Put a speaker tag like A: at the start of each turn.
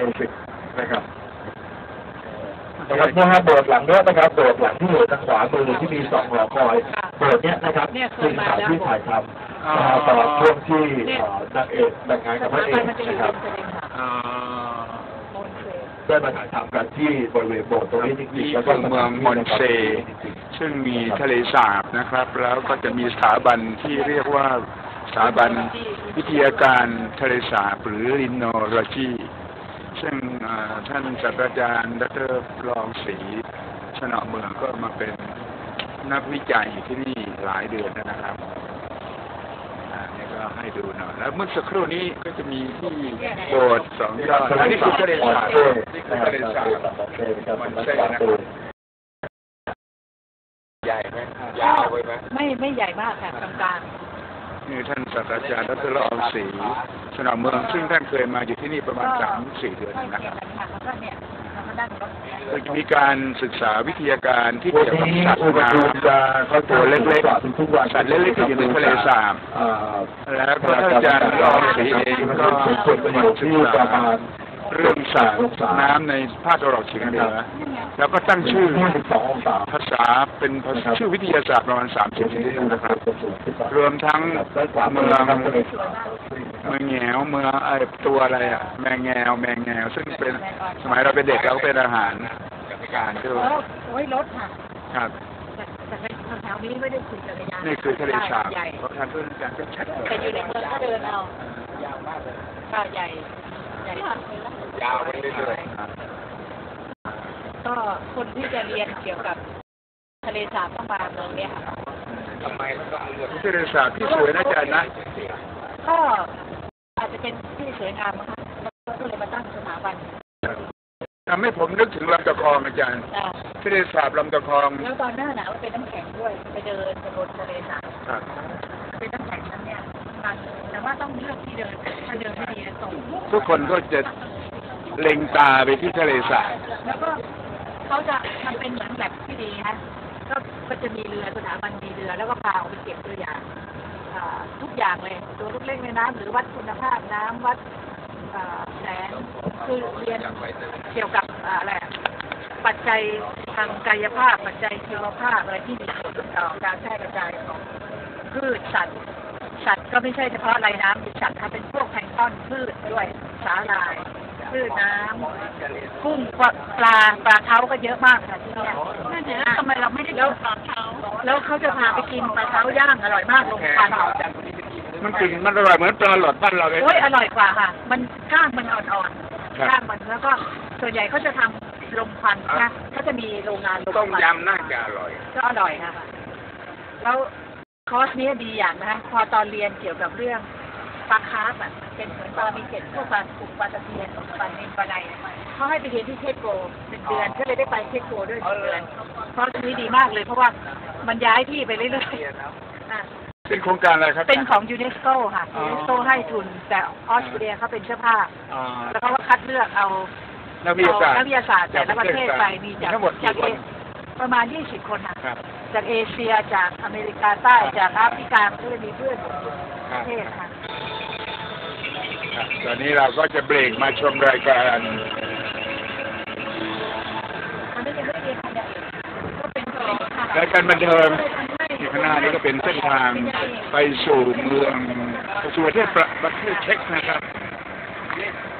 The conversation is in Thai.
A: สิกนะครับนะครับเมื่อโบสถ์หลังนี้นะครับโบสถ์หลังที่อยู่ทางขวามือที่มี2 หอคอยโบสถ์เนี้ยนะครับเป็นสถานที่ถ่ายทำตลอดช่วงที่นางเอกแต่งงานกับพระเอกนะครับได้มาถ่ายทำกันที่บริเวณโบสถ์ตรงนี้จริงๆแล้วก็
B: เมืองมอนเซซึ่งมีทะเลสาบนะครับแล้วก็จะมีสถาบันที่เรียกว่าสถาบันวิทยาการทะเลสาบหรือลินโนโลจีซึ่งท่านศาสตราจารย์ดร.รองศรีชนะเมืองก็มาเป็นนักวิจัยที่นี่หลายเดือนนะครับนี่ก็ให้ดูหน่อยแล้วเมื่อสักครู่นี้ก็จะมีที่โบสถ์2 ยอดนี่คือทะเลสาบนี่คือทะเลสาบมันเส้นนะครับใหญ่ไหมยาวไปไหม
C: ไม่ใหญ่มากค่ะกลาง
B: นี่ท่านศาสตราจารย์ดร.รองศรีชนะเมืองซึ่งท่านเคยมาอยู่ที่นี่ประมาณ 3-4 เดือนนะครับมีการศึกษาวิทยาการที่เกี่ยวกับสัตว์น้ำตัวเล็กๆสัตว์เล็กๆที่อยู่ในทะเลสาบแล้วก็ท่านอาจารย์รองศรีเองก็มาศึกษาเรื่องสัตว์น้ำในภาคตะวันออกเฉียงเหนือแล้วก็ตั้งชื่อภาษาเป็นชื่อวิทยาศาสตร์ประมาณ30 ชนิดนะครับรวมทั้งเมืองแงวเมืองตัวอะไรแมงแงวซึ่งเป็นสมัยเราเป็นเด็กเราก็เป็นอาหารการด้วย
C: โอ้ยรถค่ะ
B: ครับ
C: แต่ในแถวนี้ไม่ได้คุยกันเลยนะ
B: นี่คือทะเลสาบเพราะท่านเพื่อนการก็ชัด
C: แต่อยู่ในเมืองก็เดินเอา
B: ยาวมากเลย
C: ใหญ่
B: ยาวไปเรื่อย
C: ๆก็คนที่จะเรียนเกี่ยวกับทะเลสาบต้องมาเมืองนี้ค่ะ
B: ทำไมมันก็เลือกทะเลสาบที่สวยนะอาจารย์นะ
C: ก็อาจจะเป็นที่สวยงามนะคะก็เลยมาตั้งสถาบัน
B: ทำให้ผมนึกถึงลำตะคองอาจารย์ทะเลสาบลำตะคอง
C: แล้วตอนหน้าหนาวเป็นน้ำแข็งด้วยไปเดินบนทะเลสาบเป็นน้ำแข็งนั้นเนี่ยแต่ว่าต้องเลือกที่เดินถ้าเดินไม่ดีจะตก
B: ทุกคนก็จะเล็งตาไปที่ทะเลสาบ
C: แล้วก็เขาจะมันเป็นเหมือนแบบที่ดีฮะก็จะมีเรือสถาบันมีเรือแล้วก็พาออกไปเก็บตัวอย่างทุกอย่างเลยตัวลูกเล็กในน้ำหรือวัดคุณภาพน้ำวัดแสงคือเรียนเกี่ยวกับอะไรปัจจัยทางกายภาพปัจจัยชีวภาพอะไรที่มีผลต่อการแพร่กระจายของพืชสัตว์ก็ไม่ใช่เฉพาะไรน้ำมีสัตว์เป็นพวกแพลงก์ตอนพืชด้วยสาหร่ายพืชน้ำกุ้งปลาเท้าก็เยอะมากค่ะที่นี่ทำไมเราไม่ได้กินปลาเท้าแล้วเขาจะพาไปกินปลาเท้าย่างอร่อยมากลงควัน
B: มันกลิ่นมันอร่อยเหมือนปลาหลอดบ้านเราเลย
C: โอ้ยอร่อยกว่าค่ะมันก้างมันอ่อนๆก้างมันแล้วก็ส่วนใหญ่เขาจะทำลมควันนะเขาจะมีโรงงานลมควัน
B: ต้มยำน่าจะอร่อย
C: ก็อร่อยค่ะแล้วคอร์สนี้ดีอย่างนะคะพอตอนเรียนเกี่ยวกับเรื่องปลาคาร์ฟเป็นเหมือนปลามีเกล็ดพวกปลาปุกปลาตะเพียนปลาเนนปลาไนเขาให้ไปเรียนที่เทสโก1 เดือนก็เลยได้ไปเทสโกด้วย1 เดือนคอร์สนี้ดีมากเลยเพราะว่ามันย้ายที่ไปเรื่อยๆ
B: เป็นโครงการอะไรครับ
C: เป็นของยูเนสโกค่ะยูเนสโกให้ทุนแต่ออสเตรเลียเขาเป็นเจ้าภาพแล้วเขาก็คัดเลือกเอา
B: นักวิทยาศาสตร์
C: แต่ละประเทศไปมีจากประมาณ20 คนค่ะจากเอเชียจากอเมริกาใต้จากแอฟริกาก็มีเพื่อนประเทศค่ะ
B: ตอนนี้เราก็จะเบรกมาชมรายการรายการบันเทิงที่ข้างหน้านี้ก็เป็นเส้นทางไปสู่เมืองสู่ประเทศเช็กนะครับ